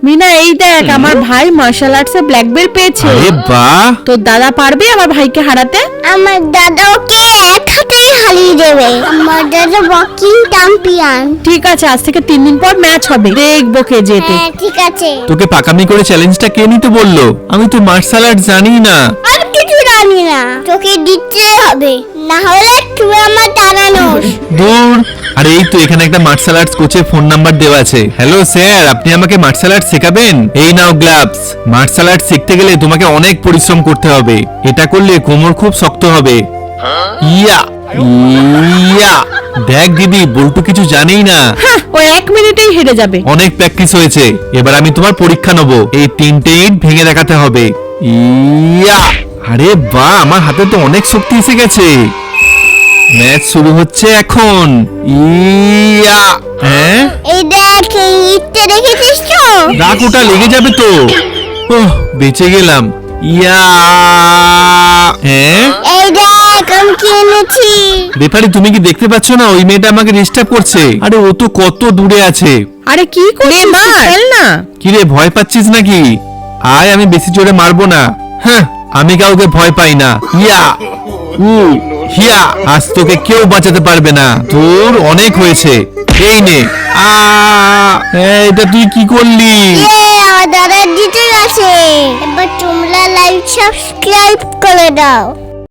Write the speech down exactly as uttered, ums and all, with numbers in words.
মিনা এই দেখ আমার ভাই মার্শাল আর্টসে ব্ল্যাক বেল্ট পেয়েছে। আরে বাহ, তো দাদা পারবে আমার ভাইকে হারাতে? আমার দাদা ওকে এক হাতেই হারিয়ে দেবে। আমার দাদা বক্সিং চ্যাম্পিয়ন। ঠিক আছে, আজ থেকে তিন দিন পর ম্যাচ হবে, দেখবো কে জেতে। হ্যাঁ ঠিক আছে। তোকে পাকামি করে চ্যালেঞ্জটা কে নিতে বললো? আমি তো মার্শাল আর্ট জানি না। আমি কিছু জানি না, তোকে দিতে হবে, না হলে তুই আমার দাঁড়ানোস। দূর। আরে এই তো এখানে একটা মার্শাল আর্টস কোচের ফোন নাম্বার দেওয়া আছে। হ্যালো স্যার, আপনি আমাকে মার্শাল আর্ট শেখাবেন? এই নাও গ্লাভস। মার্শাল আর্ট শিখতে গেলে তোমাকে অনেক পরিশ্রম করতে হবে। এটা করলে কোমর খুব শক্ত হবে। ইয়া ইয়া। দেখ দিদি, বল্টু কিছু জানেই না। হ্যাঁ, ও এক মিনিটেই হেরে যাবে। অনেক প্র্যাকটিস হয়েছে, এবার আমি তোমার পরীক্ষা নেব। এই তিনটে ইট ভেঙে দেখাতে হবে। ইয়া। আরে বাহ, আমার হাতে তো অনেক শক্তি এসে গেছে। ম্যাচ শুরু হচ্ছে এখন। ইয়া। হ্যাঁ, এই দেখ, এই ইটটা দেখেছিস তো? রাখ, ওটা লেগে যাবে তো। ওহ, বেঁচে গেলাম। ইয়া। হ্যাঁ, এই দেখ আমি কি এনেছি। রেফারি তুমি কি দেখতে পাচ্ছ না? ওই মেয়েটা আমাকে ডিস্টার্ব করছে। আরে ও তো কত দূরে আছে। আরে কি করছিস? খেল না। কিরে, ভয় পাচ্ছিস নাকি? আয়, আমি বেশি জোরে মারবো না। হ্যাঁ, আমি কাউকে ভয় পাই না। ইয়া উ হিয়া। আজ তোকে কেউ বাঁচাতে পারবে না। তোর অনেক হয়েছে। এই নে। আ এই, এটা তুই কি করলি? ইয়ে, আমার দাদা জিতে গেছে। এবার তোমরা লাইক সাবস্ক্রাইব করে দাও।